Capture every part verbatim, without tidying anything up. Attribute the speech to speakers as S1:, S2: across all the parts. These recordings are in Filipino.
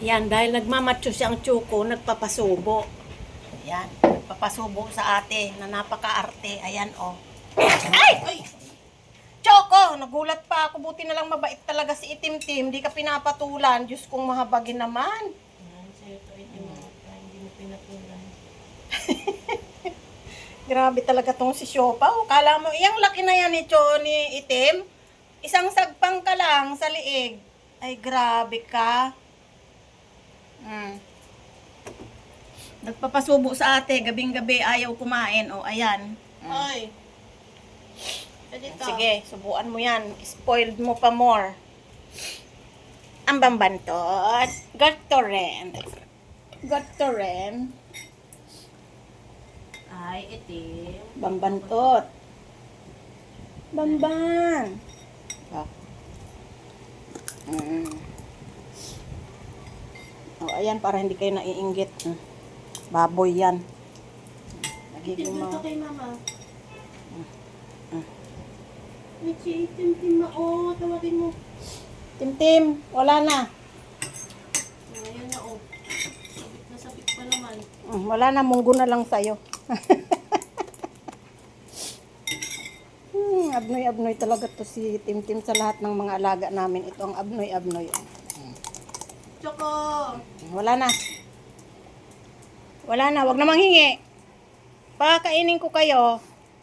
S1: Yan, dahil nagmamatso siyang tsuko, nagpapasubo. Yan, nagpapasubo sa ate na napaka-arte. Ayan, oh. Ay! Ay! Choco! Nagulat pa ako. Buti na lang mabait talaga si Itim-Tim. Di ka pinapatulan. Diyos kong mahabagin naman. Hindi mo pinatulan. Grabe talaga tong si Siopa. O, kala mo, iyang laki na yan ni Cho, ni Itim. Isang sagpang ka lang sa liig. Ay, grabe ka. Hmm. Nagpapasubo sa ate, gabing-gabi ayaw kumain. O, ayan.
S2: Ay.
S1: Sige, subuan mo yan. Spoiled mo pa more. Ang bambantot. Got to rin. Got to rin.
S2: Ay, itim.
S1: Bambantot. Bamban. Oh. Mm. Oh, ayan, para hindi kayo naiinggit. Hmm. Baboy yan. Nagiging
S2: Itim
S1: mga...
S2: dito kay mama.
S1: Mm.
S2: Michi, itim-tim na. Oh, tawagin mo.
S1: Tim-Tim, wala na.
S2: Oh, ayan na, oh. Sabit na sabit pa naman.
S1: Mm, wala na, munggo na lang sa'yo. hmm, abnoy-abnoy talaga to si Tim-Tim sa lahat ng mga alaga namin. Ito ang abnoy-abnoy.
S2: Choco!
S1: Wala na. Wala na, wag na manghingi. Pakakainin ko kayo.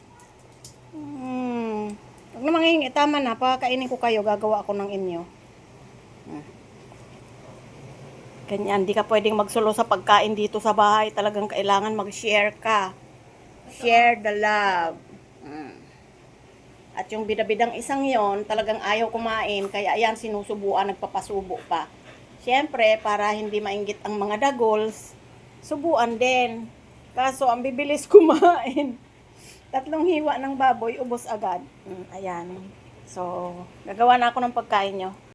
S1: Hmm. Wag na manghingi, tama na. Pakakainin ko kayo, gagawa ako ng inyo. Hmm. Ganyan, di ka pwedeng magsulo sa pagkain dito sa bahay. Talagang kailangan mag-share ka. Share the love. Hmm. At yung bidabidang isang yon, talagang ayaw kumain. Kaya ayan, sinusubuan, nagpapasubo pa. Siyempre, para hindi mainggit ang mga dagols, subuan din. Kaso, ang bibilis kumain. Tatlong hiwa ng baboy, ubos agad. Mm, ayan. So, gagawa na ako ng pagkain nyo.